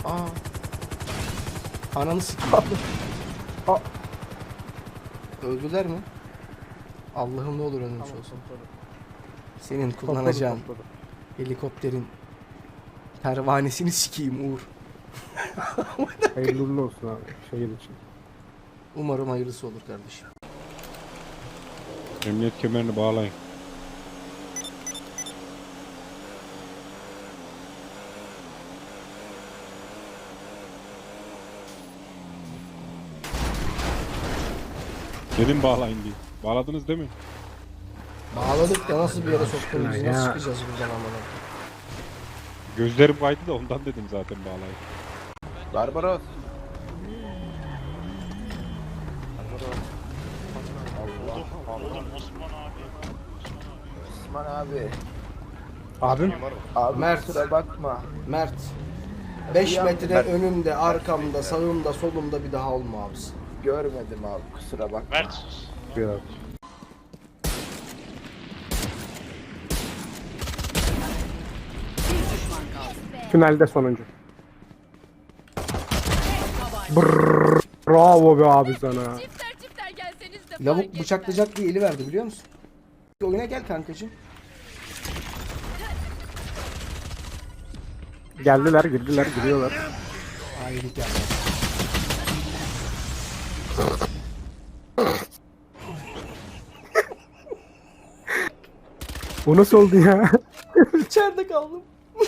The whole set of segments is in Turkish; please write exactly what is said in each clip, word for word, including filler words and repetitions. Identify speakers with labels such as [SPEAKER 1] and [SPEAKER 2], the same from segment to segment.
[SPEAKER 1] Aa. Ananı sikeyim.
[SPEAKER 2] Aa.
[SPEAKER 1] Öldüler mi? Allah'ım ne olur ölmüş
[SPEAKER 2] Tamam,
[SPEAKER 1] olsun.
[SPEAKER 2] topladım.
[SPEAKER 1] Senin
[SPEAKER 2] Topladım,
[SPEAKER 1] kullanacağın
[SPEAKER 2] topladım.
[SPEAKER 1] helikopterin pervanesini sikeyim Uğur.
[SPEAKER 2] Hayırlı uğurlu olsun abi şehir için.
[SPEAKER 1] Umarım hayırlısı olur kardeşim.
[SPEAKER 3] Emniyet kemerini bağlayın. Dedim bağlayın diye. Bağladınız değil mi?
[SPEAKER 1] Bağladık da nasıl bir yere soktun bizi?
[SPEAKER 2] Ya.
[SPEAKER 1] Nasıl çıkacağız buradan amına?
[SPEAKER 3] Gözlerim kaydı da ondan dedim zaten bağlayın.
[SPEAKER 4] Barbaros. Osman abi.
[SPEAKER 2] Abim
[SPEAKER 4] Abi
[SPEAKER 1] Mert.
[SPEAKER 4] kusura bakma.
[SPEAKER 1] Mert. beş
[SPEAKER 4] Ya,
[SPEAKER 1] metre
[SPEAKER 4] Mert.
[SPEAKER 1] önümde, arkamda, sağımda, solumda bir daha olma abisi.
[SPEAKER 4] Görmedim abi kusura bakma.
[SPEAKER 5] Mert sus.
[SPEAKER 2] biraz. Tünelde sonuncu. Brrr, bravo be abi sana.
[SPEAKER 6] Çifter çifter gelseniz de
[SPEAKER 1] Lavuk
[SPEAKER 6] fark etmez.
[SPEAKER 1] bıçaklayacak diye eli verdi biliyor musun? Oyuna gel kankacığım.
[SPEAKER 2] Geldiler, girdiler, giriyorlar.
[SPEAKER 1] Haydi gel.
[SPEAKER 2] Bu nasıl oldu ya?
[SPEAKER 1] İçeride kaldım.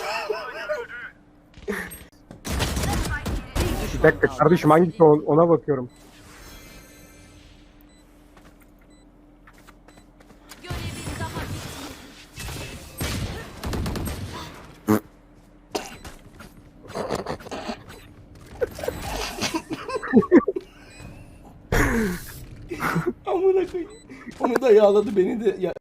[SPEAKER 2] Bir dakika kardeşim hangisi o- ona bakıyorum.
[SPEAKER 6] Görevin daha bitmedi.
[SPEAKER 1] Amına koyayım. Onu da yağladı beni de ya